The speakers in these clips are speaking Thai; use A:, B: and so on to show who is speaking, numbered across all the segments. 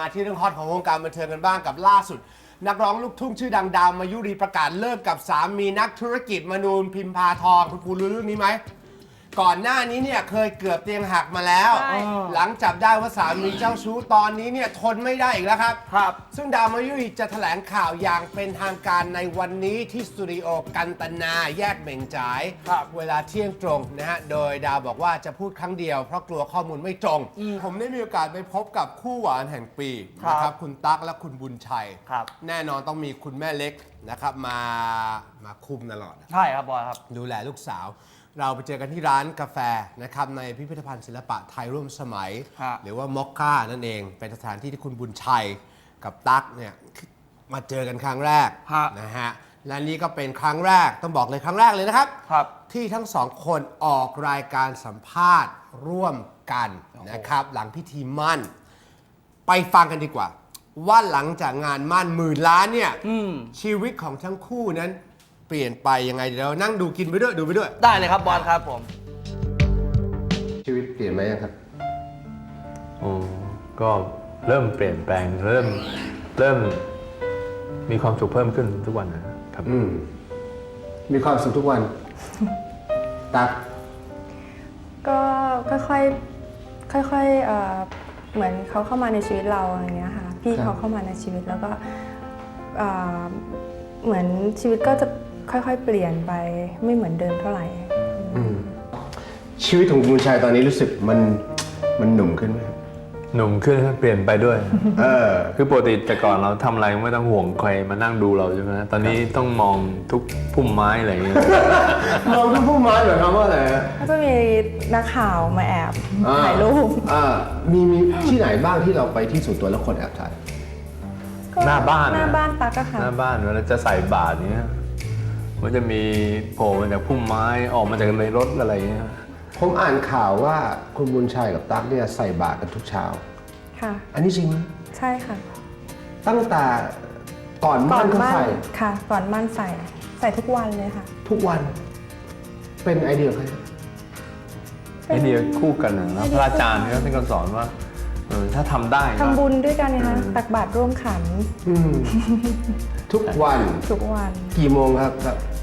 A: มาที่เรื่องฮอตของวงการบันเทิงกันบ้างกับล่าสุดนักร้องลูกทุ่งชื่อดังดาวมายุรีประกาศเลิกกับสามีนักธุรกิจมนูนพิมพาทองคุณรู้เรื่องนี้ไหมก่อนหน้านี้เนี่ยเคยเกือบเตียงหักมาแล้วหลังจับได้ว่าสามีเจ้าชู้ตอนนี้เนี่ยทนไม่ได้อีกแล้วครับซึ่งดาวมายุรีจะแถลงข่าวอย่างเป็นทางการในวันนี้ที่สตูดิโอกันตนาแยกเหม่งจ่ายเวลาเที่ยงตรงนะฮะโดยดาวบอกว่าจะพูดครั้งเดียวเพราะกลัวข้อมูลไม่ตรงผมได้มีโอกาสไปพบกับคู่หวานแห่งปีนะครับคุณตั๊กและคุณบุญชัยแน่นอนต้องมีคุณแม่เล็กนะครับมาคุมตลอด
B: ใช่ครับบอยครับ
A: ดูแลลูกสาวเราไปเจอกันที่ร้านกาแฟนะครับในพิพิธภัณฑ์ศิลปะไทยร่วมสมัยหรือว่ามอคค่านั่นเองเป็นสถานที่ที่คุณบุญชัยกับตั๊กเนี่ยมาเจอกันครั้งแรกนะฮะและนี่ก็เป็นครั้งแรกต้องบอกเลยครั้งแรกเลยนะครับที่ทั้งสองคนออกรายการสัมภาษณ์ร่วมกันนะครับหลังพิธีมั่นไปฟังกันดีกว่าว่าหลังจากงานมั่น10,000 ล้านเนี่ยชีวิตของทั้งคู่นั้นเปลี่ยนไปยังไงเดี๋ยวเรานั่งดูกินไปด้วยดูไปด้วย
B: ได้เลยครับบอลครับผม
A: ชีวิตเปลี่ยนไหมครับ
C: ก็เริ่มเปลี่ยนแปลงเริ่มมีความสุขเพิ่มขึ้นทุกวันนะครับ
A: มีความสุขทุกวันตั๊ก
D: ก็ค่อยเหมือนเขาเข้ามาในชีวิตเราอย่างเงี้ยค่ะพี่เขาเข้ามาในชีวิตแล้วก็เหมือนชีวิตก็จะค่อยๆเปลี่ยนไปไม่เหมือนเดิมเท่าไหร่
A: ชีวิตของคุณชัยตอนนี้รู้สึกมันหนุ่มขึ้นไหม
C: หนุ่มขึ้นเปลี่ยนไปด้วยคือปกติแต่ก่อนเราทำอะไรไม่ต้องห่วงใครมานั่งดูเราใช่ไหมตอนนี้ต้องมองทุกพุ่มไม้อะไรอย่างเงี้ย
A: มองทุกพุ่มไม้เหรอครับว่าอะไร
D: ก็จะมีนักข่าวมาแอบถ่ายรูป
A: มีที่ไหนบ้างที่เราไปที่ส่วนตัวแล้วคนแอบถ่าย
C: หน้าบ้าน
D: ตั๊กค่ะ
C: หน้าบ้านเวลาจะใส่บาตรเนี้ยมันจะมีโผล่มาจากพุ่มไม้ออกมาจากในรถอะไรเงี้ย
A: ผมอ่านข่าวว่าคุณบุญชัยกับตั๊กเนี่ยใส่บาตรกันทุกเช้า
D: ค่ะ
A: อันนี้จริงไหม
D: ใช่ค่ะ
A: ตั้งแต่ก่อนมั่นก็ใส่
D: ค่ะก่อนมั่นใส่ทุกวันเลยค่ะ
A: ทุกวันเป็นไอเดียใคร
C: ไอเดียคู่กันนะพระอาจารย์ท่านก็สอนว่าถ้าทำได้
D: ทำบุญด้วยกันนะคะตักบาตรร่วมขัน
A: ทุกวันกี่โมงครับ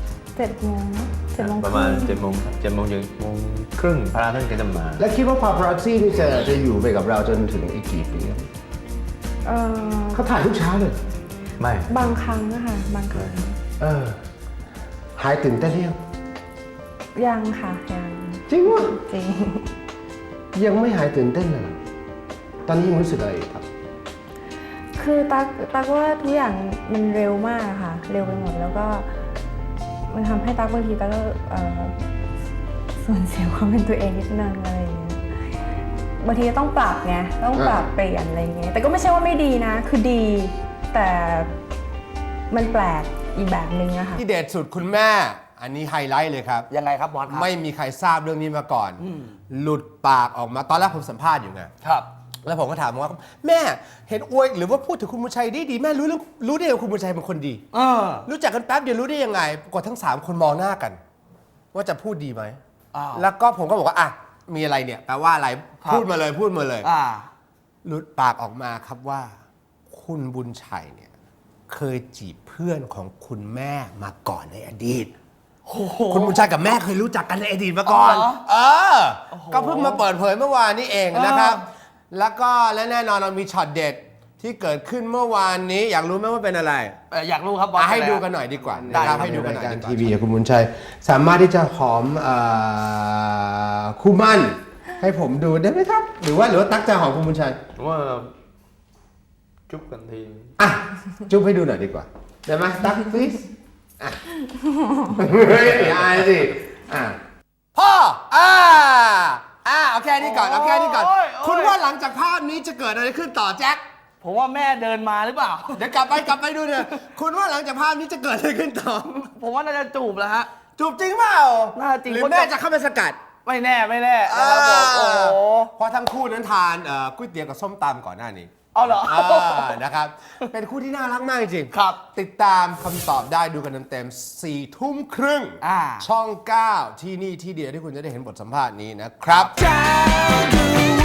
D: 7 โมง
C: ประมาณ7 โมงครับ7 โมงถึง7 โมงครึ่งพระท่านก็จะมา
A: แล้วคิดว่าพาปารัซซี่นี่จะอยู่ไปกับเราจนถึงอีกกี่ปีเขาถ่ายทุกเช้าเลย
C: ไม่
D: บางครั้งนะคะบางครั้ง
A: หายตื่นเต้น
D: ยังค่ะยัง
A: จริงวะ
D: จริง
A: ยังไม่หายตื่นเต้นเลยตอนนี้ยังรู้สึกอะไรครับ
D: คือตั๊กว่าทุกอย่างมันเร็วมากค่ะเร็วไปหมดแล้วก็มันทำให้ตั๊กบางทีตั๊กก็สูญเสียความเป็นตัวเองนิดนึงอะไรอย่างเงี้ยบางทีต้องปรับไงต้องปรับเปลี่ยนอะไรอย่างเงี้ยแต่ก็ไม่ใช่ว่าไม่ดีนะคือดีแต่มันแปลกอีกแบบนึงอะค่ะ
A: ที่เด็ดสุดคุณแม่อันนี้ไฮไลท์เลยครับ
B: ยังไงครับบอสครับ
A: ไม่มีใครทราบเรื่องนี้มาก่อนหลุดปากออกมาตอนแรกผมสัมภาษณ์อยู่ไง
B: ครับ
A: แล้วผมก็ถามว่าแม่เห็นอวยหรือว่าพูดถึงคุณบุญชัยดีแม่รู้ได้ว่าคุณบุญชัยเป็นคนดีรู้จักกันแป๊บเดียวรู้ได้ยังไงปรากฏทั้ง3คนมองหน้ากันว่าจะพูดดีไหมแล้วก็ผมก็บอกว่าอ่ะมีอะไรเนี่ยแปลว่าอะไรพูดมาเลยหลุดปากออกมาครับว่าคุณบุญชัยเนี่ยเคยจีบเพื่อนของคุณแม่มาก่อนในอดีตคุณบุญชัยกับแม่เคยรู้จักกันในอดีตมาก่อนก็เพิ่งมาเปิดเผยเมื่อวานนี้เองนะครับแล้วก็และแน่นอนเรามีช็อตเด็ดที่เกิดขึ้นเมื่อวานนี้อยากรู้ไหมว่าเป็นอะไร
B: อยากรู้ครับบอส
A: ให้ดูกันหน่อยดีกว่านะครับให้ดูกันหน่อยทีวีคุณบุญชัยสามารถที่จะหอมคู่มั่นให้ผมดูได้ไหมครับหรือว่าตั๊กจะหอมคุณบุญชัย
C: ว่าจุ๊บกันที
A: จุ๊บให้ดูหน่อยดีกว่าได้ไหมตั๊ก please อย่าอายสิพ่อเอาแค่นี้ก่อนคุณว่าหลังจากภาพนี้จะเกิดอะไรขึ้นต่อแจ็ค
B: ผมว่าแม่เดินมาหรือเปล่า
A: เดี๋ยวกลับไปดูเนี่ยคุณว่าหลังจากภาพนี้จะเกิดอะไรขึ้นต่อ
B: ผมว่าน่าจะจูบแล้วฮะ
A: จูบจริงเปล่า
B: น่าจริง
A: หรือแม่จะเข้าไปสกัด
B: ไม่แน่
A: เพราะทั้งคู่นั้นทานก๋วยเตี๋ยวกับส้มตำก่อนหน้านี้
B: เอาเหรอ
A: นะครับเป็นคู่ที่น่ารักมากจริง
B: ครับ
A: ติดตามคำตอบได้ดูกันเต็มๆ 4 ทุ่มครึ่งช่อง 9ที่นี่ที่เดียวที่คุณจะได้เห็นบทสัมภาษณ์นี้นะครับ